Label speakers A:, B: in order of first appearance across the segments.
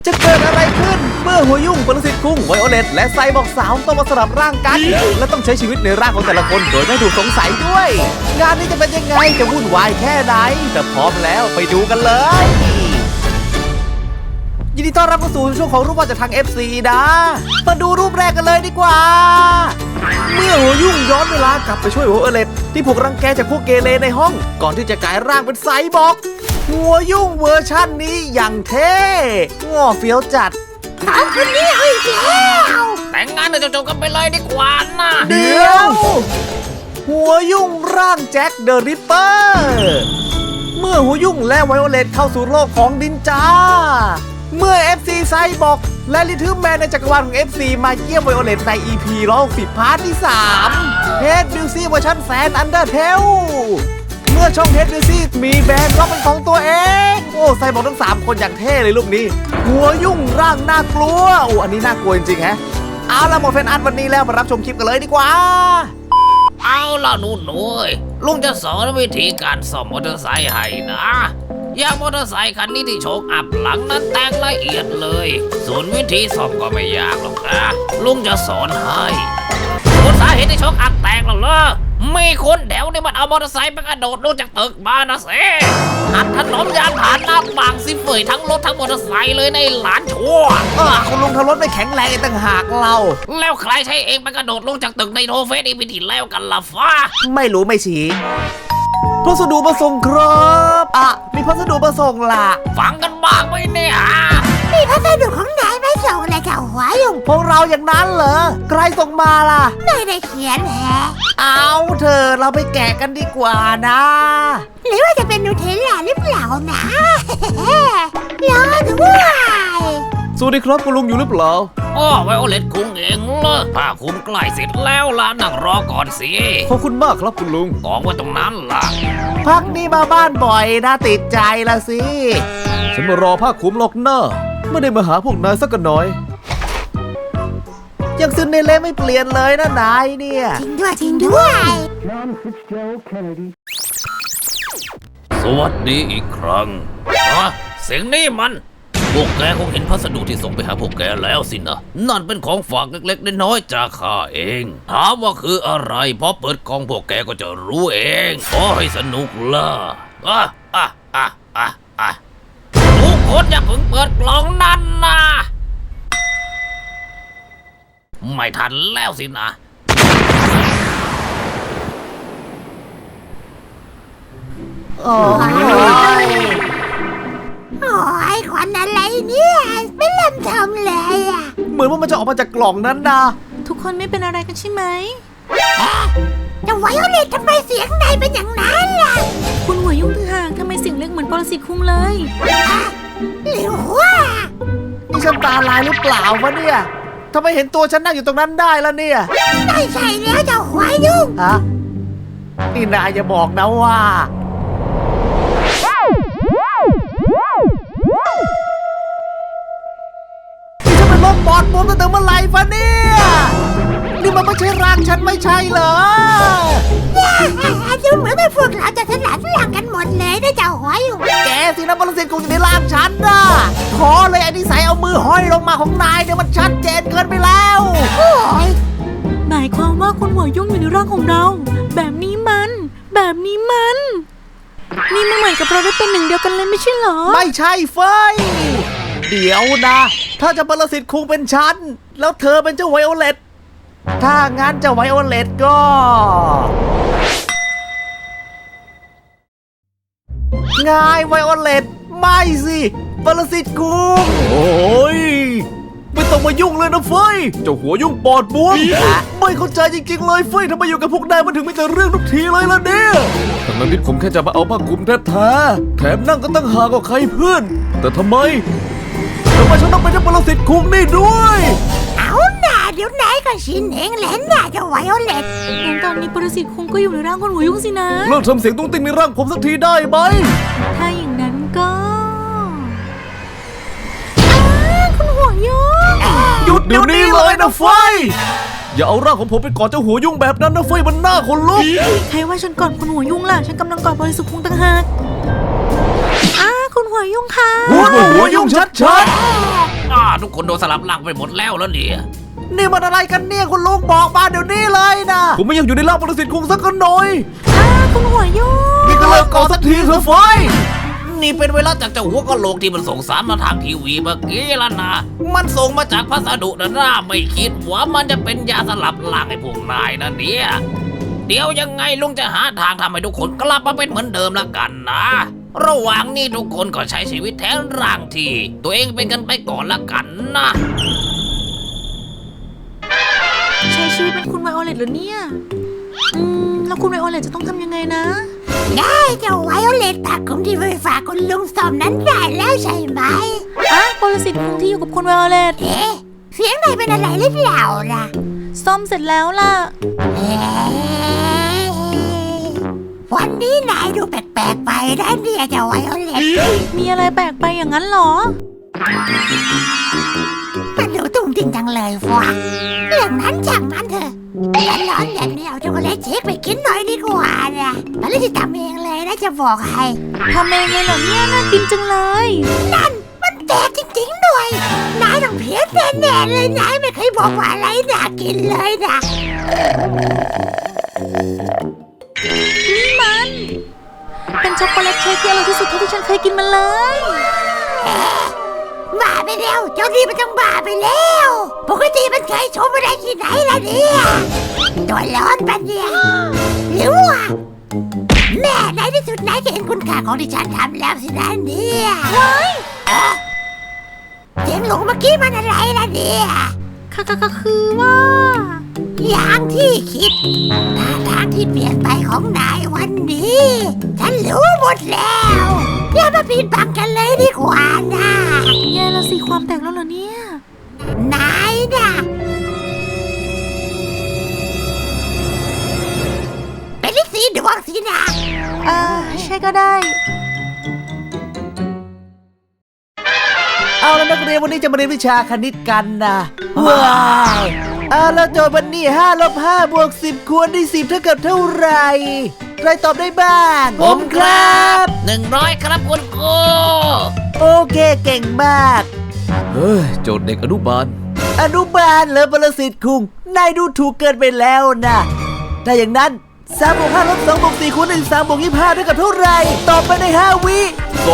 A: จะเกิดอะไรขึ้นเมื่อหัวยุ่งปรสิตคุ้งไวโอเลตและไซบอร์กสาวต้องมาสลับร่างกันและต้องใช้ชีวิตในร่างของแต่ละคนโดยไม่ถูกสงสัยด้วยงานนี้จะเป็นยังไงจะวุ่นวายแค่ไหนแต่พร้อมแล้วไปดูกันเลยยินดีต้อนรับเข้าสู่ช่วงของรูปวาดจากทาง FC นะมาดูรูปแรกกันเลยดีกว่าเมื่อหัวยุ่งย้อนเวลากลับไปช่วยหัวโอเลตที่ถูกรังแกจากพวกเกเรในห้องก่อนที่จะกลายร่างเป็นไซบอร์กหัวยุ่งเวอร์ชั่นนี้อย่างเท่ง่อเฟี้ยวจัด
B: เอาคนนี้เอาอีกแล้ว
C: แต่งงานเดี๋ยวจบกันไปเลยดีกว่านะ
A: เดี๋ยวหัวยุ่งร่างแจ็คเดอะริปเปอร์เมื่อหัวยุ่งและไวโอเลตเข้าสู่โลกของดินจาเมื่อ FC ไซบอร์กและลิทึมแมนในจักรวาลของ FC มาเยี่ยมไวโอเลตใน EP 160 พาร์ทที่3เฮดบิวซี่เวอร์ชันแสนอันเดอร์เทลเมื่อช่องเฮดบิวซี่มีแบรนด์ล็อกเป็นของตัวเองโอ้ไซบอร์กทั้ง3คนอย่างเท่เลยรูปนี้หัวยุ่งร่างน่ากลัวโอ้อันนี้น่ากลัวจริงๆฮะเอาละหมดแฟนอาร์ตวันนี้แล้วมารับชมคลิปกันเลยดีกว่า
C: เอาล่ะหนูลุงจะสอนวิธีการซ่อมมอเตอร์ไซค์ให้นะอย่างมอเตอร์ไซค์คันนี้ที่โชคอัพหลังนั้นแต่งละเอียดเลยส่วนวิธีซ่อมก็ไม่ยากหรอกนะลุงจะสอนให้ส่วนสาเหตุที่โชคอัพแตกแล้วเหรอมีคนแถวนี้มันเอามอเตอร์ไซค์ไปกระโดดลงจากตึกมานะเซ่อัดถนนยานผ่านหน้าบางสิเฟยทั้งรถทั้งมอเตอร์ไซค์เลยในหลานชั่ว
A: คุณลุงทำรถไม่แข็งแรงต่างหากเรา
C: แล้วใครใช้เองไปกระโดดลงจากตึกในโทเฟสอีพีที่แล้วกันล่ะฟ้า
A: ไม่รู้ไม่ชี้พัสดุมาส่งครับมีพัสดุมาส่งล่ะ
C: ฟังกันบ้างไหมเนี่ย
B: มีพัสดุของนายไม่ส่งเลยเจ้าหัวยุ่ง
A: พวกเราอย่างนั้นเหรอใครส่งมาล่ะ
B: ไม่ได้เขียนแฮะ
A: เอาเธอเราไปแกะกันดีกว่านะ
B: หรือว่าจะเป็นนูเทลล่าหรือเปล่านะรอด้วย
A: สวัสดีครับคุณลุงอยู่หรือเปล่า
C: ไวโอเลตคุ้งเองเหรอผ้าคลุมใกล้เสร็จแล้วล่ะนั่งรอก่อนสิ
A: ขอบคุณมากครับคุณลุง
C: กองไว้ตรงนั้นล่ะ
A: พักนี้มาบ้านบ่อยนะติดใจละสิฉันมารอผ้าคลุมหรอกหน้าไม่ได้มาหาพวกนายสักหน่อยยังซึนในเล่ไม่เปลี่ยนเลยนะนายเนี่ย
B: จริงด้วย
C: สวัสดีอีกครั้งเสียงนี้มันพวกแกคงเห็นพัสดุที่ส่งไปหาพวกแกแล้วสินะนั่นเป็นของฝากเล็กๆน้อยๆจากข้าเองถามว่าคืออะไรพอเปิดกล่องพวกแกก็จะรู้เองขอให้สนุกล่ะทุกคนอย่าเพิ่งเปิดกล่องนั้นนะไม่ทันแล้วสินะ
B: โอ้ยควันอะไรเนี่ยไม่เริ่มทำเลย
A: เหมือนว่ามันจะออกมาจากกล่องนั้นนะ
D: ทุกคนไม่เป็นอะไรกันใช่ไหม
B: จะไวโอเลตทำไมเสียงนายเป็นอย่างนั้นล่ะ
D: คุณหัวยุ่งต่างหากทำไมเสียงเล็กเหมือนปรสิตคุ้งเลย
B: หรือว่า
A: นี่ฉันตาลายหรือเปล่าวะเนี่ยทำไมเห็นตัวฉันนั่งอยู่ตรงนั้นได้แล้วเนี่ย
B: ไม่ใช่แล้วเจ้าหัวยุ่ง
A: นี่นายอย่าบอกนะว่าลมบอดบวมตั้งแต่เมื่อไหร่ฟะเนี่ยนี่มันไม่ใช่ร่างฉันไม่ใช่เหรอ
B: ดูเหมือนเป็นพวกเราจะสลัดหลังกันหมดเลยนะเจ้าหัวยุ่ง
A: แกสินะปรสิตกูอยู่ในร่างฉันนะขอเลยไอ้นิสัยเอามือห้อยลงมาของนายเนี่ยมันชัดเจนเกินไปแล้ว
D: หมายความว่าคุณหัวยุ่งอยู่ในร่างของเราแบบนี้มันนี่มันเหมือนกับเราได้เป็นหนึ่งเดียวกันเลยไม่ใช่เหรอ
A: ไม่ใช่เฟยเดี๋ยวนะถ้าจะปรสิตคงเป็นฉันแล้วเธอเป็นเจ้าไวโอเลตถ้างั้นเจ้าไวโอเลตก็ง่ายไวโอเลตไม่สิปรสิตคุงโอ้ยไม่ต้องมายุ่งเลยนะเฟยเจ้าหัวยุ่งปอดบวมไม่เข้าใจจริงๆเลยเฟยทำไมอยู่กับพวกนายมันถึงไม่แต่เรื่องทุกทีเลยล่ะเนี่ยทั้งนั้นที่ผมแค่จะมาเอาผ้าคลุมแท้ๆแถมนั่งก็ตั้งหากว่าใครเพื่อนแต่ทำไมฉันต้องเป็นเจ้าปรสิตคุงนี่ด้วย
B: เอาหน่าเดี๋ยวนายก็ชินเองแหละน่าจะไวโอเลต
D: งั้นตอนนี้ปรสิตคุงก็อยู่ในร่างคุณหัวยุ่งสินะ
A: เลิกทำเสียงตุ้งติ้งในร่างผมสักทีได้ไหม
D: ถ้าอย่างนั้นก็คุณหัวยุ่ง
A: หยุดเดี๋ยวนี้เลยนะเฟยอย่าเอาร่างของผมไปกอดเจ้าหัวยุ่งแบบนั้นนะเฟยมันหน้าขนลุก
D: ใครว่าฉันกอดคุณหัวยุ่งล่ะฉันกำลังกอดปรสิตคุงต่างหากคุณหัวยุ่งค่ะ
A: หัวยุ่งชัด
C: ทุกคนโดนสลับร่างไปหมดแล้วเนี่ย
A: ๆนี่มันอะไรกันเนี่ยคุณลุงบอกมาเดี๋ยวนี้เลยนะผมไม่อยากอยู่ในร่างปรสิตคุงสักหน่อย
D: คุณหัวยุ่ง
A: นี่ก็เลิกก่อนสักทีเถอะไฟ
C: นี่เป็นเวลาจากเจ้าหัวกะโหลกที่มันส่งสารมาทางทีวีเมื่อกี้แล้วนะ มันส่งมาจากพัสดุนะไม่คิดว่ามันจะเป็นยาสลับร่างให้พวกนายนะเนี่ย เดี๋ยวยังไงลุงจะหาทางทำให้ทุกคนกลับมาเป็นเหมือนเดิมละกันนะ ระหว่างนี้ทุกคนก็ใช้ชีวิตแทนร่างที่ตัวเองเป็นกันไปก่อนละกันนะ
D: ใช้ชีวิตเป็นคุณไวโอเลตเหรอเนี่ยแล้วคุณไวโอเลตจะต้องทำยังไงนะ
B: ได้เจ้าไวโอเลตผักของที่ไปฝากคุณลุงสมนั้นได้แล้วใช่ไหม
D: ปรสิตคุงที่อยู่กับคุณไวโอเลต
B: เอ๊ะเสียงนายเป็นอะไรหรือเปล่าล่ะ
D: ซ่อมเสร็จแล้วล่ะ
B: เอ๊ะวันนี้นายดูแปลกๆไปนะเนี่ยเจ้าไวโอเลต
D: มีอะไรแปลกไปอย่างนั้นเหรอ
B: มันดูตุ้งติ้งจังเลยฟะเรื่องนั้นช่างมันเถอะร้อนๆแบบนี้เอาช็อกโกแลตเชคไปกินหน่อยดีกว่านะมันเลยจะทำเองเลยนะจะบอกให้
D: ทำเองเลยเหรอเนี่ยน่ากินจังเลย
B: นั่นมันแตกจริงๆด้วยนายต้องเพี้ยนแน่ๆเลยนายไม่เคยบอกว่าอะไรน่ากินเลยนะ
D: นี่มัน เป็นช็อกโกแลตเค้กที่อร่อยที่สุดเท่าที่ฉันเคยกินมาเลย
B: บ้าไปแล้วเจ้านี่มันต้องบ้าไปแล้วปกติมันเคยชมอะไรที่ไหนล่ะเนี่ยตัวร้อนปันเนี่ยหรือว่าแม่ในที่สุดนายก็เห็นคุณค่าของที่ฉันทำแล้วสินะเนี่ยเสียงหลงเมื่อกี้มันอะไรล่ะเนี่ย
D: ก็คือว่า
B: อย่างที่คิดท่าทางที่เปลี่ยนไปของนายวันนี้ ฉันรู้หมดแล้วอย่ามาปิดบังกันเลยดีกว่านะ
D: แย่แล้วสิความแตกแล้วเหรอเนี่ย
B: นายนะเป็นฤทธิ์สีดวงสินะ
D: ใช่ก็ได้
A: เอาแล้วนักเรียนวันนี้จะมาเรียนวิชาคณิตกันนะว้าวแล้วโจทย์วันนี้5 ลบ 5 บวก 10 คูณด้วย10เท่ากับเท่าไหร่ใครตอบได้บ้าง
C: ผมครับ100ครับคุณครู
A: โอเคเก่งมากเฮ้ยโจทย์เด็กอนุบาลเหรอปรสิตคุงนายดูถูกเกินไปแล้วนะถ้าอย่างนั้น3 บวก 5 ลบ 2 บวก 4 คูณด้วย3 บวก 25เท่ากับเท่าไหร่ตอบไปใน5 วิ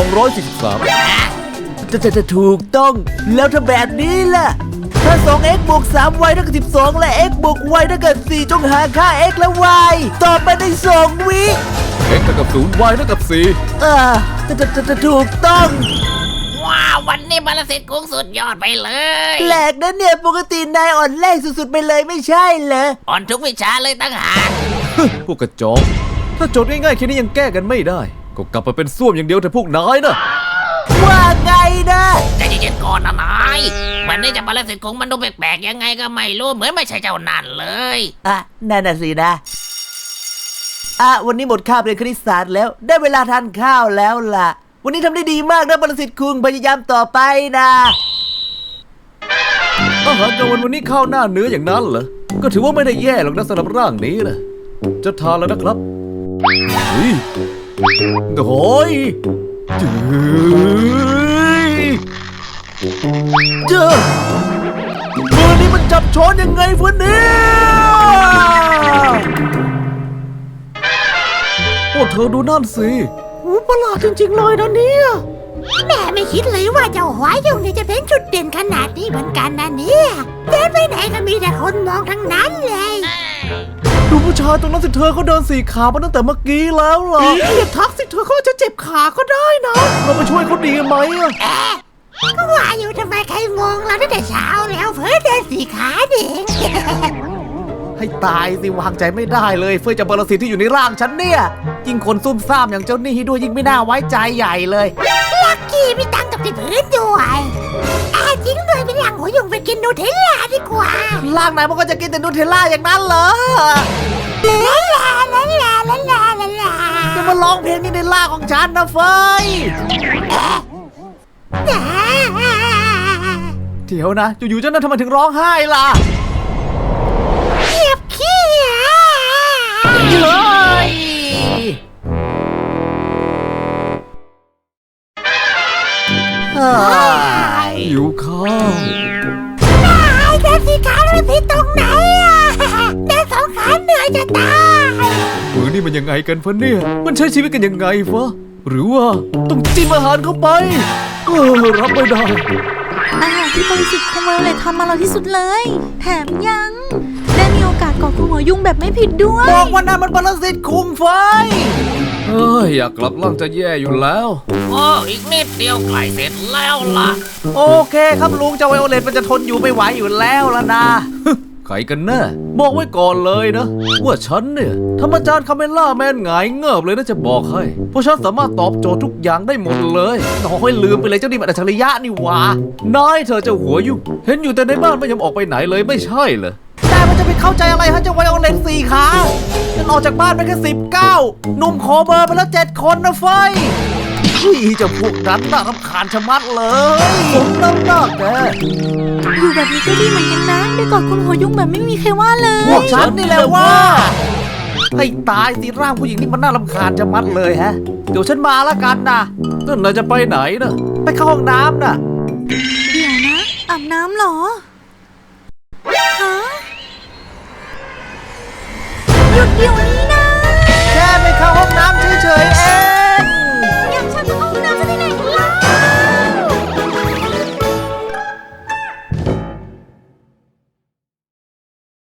A: 243จะถูกต้องแล้วถ้าแบบนี้ล่ะถ้า 2x บวก 3y เท่ากับ12และ x บวก y เท่ากับ4จงหาค่า x และ y ตอบไปใน2 วิ
E: x เท่ากับ0 y เท่ากับ
A: จะถูกต้อง
C: ว้าววันนี้บาลสิทธิ์กุ้งสุดยอดไปเลย
A: แปลกนะเนี่ยปกตินายอ่อนแรงสุดๆไปเลยไม่ใช่เหรอ
C: อ่อนทุกวิชาเลยตั้งหาก
E: 4พวกกระจอกถ้าโจทย์ง่ายๆแค่นี้ยังแก้กันไม่ได้ ก็กลับมาเป็นส้วมอย่างเดียวแต่พวกนายนะ
A: ว่าไงนะ
C: ใจเย็นๆก่อนนะนายวันนี้จะบาลสิทธิ์กุ้งมันดูแปลกๆยังไงก็ไม่รู้เหมือนไม่ใช่เจ้านั่นเลย
A: นั่นน่ะสินะวันนี้หมดคาบเรียนคณิตศาสตร์แล้วได้เวลาทานข้าวแล้วล่ะวันนี้ทำได้ดีมากนะปรสิตคุงพยายามต่อไปนะ
E: อาหารกลางวันนี้ข้าวหน้าเนื้ออย่างนั้นเหรอ ก็ถือว่าไม่ได้แย่หรอกนะสำหรับร่างนี้นะจะทานแล้วนะครับเฮ้ยโอ้ย
A: เจอมือนี้มันจับช้อนยังไงฟะเนี่ย
E: โอ้เธอดูนั่นสิ
A: ประหลาดจริงๆเลยนะเนี่ย
B: แม่ไม่คิดเลยว่าเจ้าหวายงนี่จะเป็นจุดเด่นขนาดนี้เหมือนกันนะเนี่ยเดินไปไหนก็มีแต่คนมองทั้งนั้นเลย
A: ดูผู้ชายตรงนั้นสิเธอเขาเดิน4 ขามาตั้งแต่เมื่อกี้แล้วเหรออย่าทักสิเธอเขาจะเจ็บขาก็ได้นะเราไปช่วยเขาดีไหมอะ
B: ก็ว่าอยู่ทำไมใครมองเราตั้งแต่เช้าแล้วเพื่อเดินสี่ขาเด็ก
A: ให้ตายสิวางใจไม่ได้เลยเฟื่อจะปรสิตที่อยู่ในร่างฉันเนี่ยยิ่งคนซุ่มซ่ามอย่างเจ้านี่ด้วยยิ่งไม่น่าไว้ใจใหญ่เลย
B: ลักกี้มีตังค์กับที่พื้นด้วยจริงด้วยเป็นหลังหัวยุงไปกินนูเทลล่าดีกว่า
A: ร่างไหนมันก็จะกินแต่นูเทลล่าอย่างนั้นเหรอ
B: ลาลาลาลาลาลาลาลา
A: จะมาร้องเพลงนี้ในร่างของฉันนะเฟยเดี๋ยวนะอยู่ๆเจ้านั่นทำไมถึงร้องไห้ล่ะ
B: เก็บขี้
A: เฮ้ย
E: หิวข้าว
B: ไอ้เดินสีขาเดินสีตรงไหนอ่ะเดินสองขาเหนื่อยจะตาย
E: มือนี่มันยังไงกันฟะเนี่ย มันใช้ชีวิตกันยังไงฟะหรือว่าต้องจิ้มอาหารเข้าไปรับไม่ได้
D: อาหารที่บริสุทธิ์ของไวโอเลตทำมาอร่อยที่สุดเลย แถมยังได้มีโอกาสกอดคุณหัวยุ่งแบบไม่ผิดด้วย
A: บอกว่านั่นมันปรสิตคุมไฟ
E: อยากกลับร่างจะแย่อยู่แล้ว
C: โอ้อีกนิดเดียวใกล้เสร็จแล้วล่ะ
A: โอเคครับลุงเจ้าไวโอเลตมันจะทนอยู่ไม่ไหวอยู่แล้วล่ะนะ
E: ใครกันแน่บอกไว้ก่อนเลยนะ ว่าฉันเนี่ยทำอาจารย์คาเมล่าแมนหงายเงิบเลยนะจะบอกให้ เพราะฉันสามารถตอบโจทย์ทุกอย่างได้หมดเลยน้อยลืมไปเลยเจ้านี่มันอัจฉริยะนี่หว่านายเธอเจ้าหัวยุ่งเห็นอยู่แต่ในบ้านไม่ยอมออกไปไหนเลยไม่ใช่เหรอ
A: แต่มันจะไปเข้าใจอะไรฮะเจ้าไวโอเลตสี่ขาฉันออกจากบ้านไปแค่19หนุ่มขอเบอร์ไปแล้ว7 คนนะเฟยพี่เจะพวกนั้นน่ารำคาญชะมัดเลยผมน้ำหนักแก
D: อยู่แบบนี้ก็ดีเหมือนกันนะได้กอดคุณหัวยุ่งแบบไม่มีใครว่าเลย
A: พวกฉันนี่แหละว่าให้ตายสิร่างผู้หญิงนี่มันน่ารำคาญชะมัดเลยฮะ เดี๋ยวฉันมาละกันนะ
E: นั่นนายจะไปไหนนะ
A: ไปเข้าห้องน้ำน่ะ
D: เดี๋ยวนะอาบน้ำเหรอฮะหยุดเดี๋ยวนี้นะ
A: แค่ไปเข้าห้องน้ำเฉยๆเอ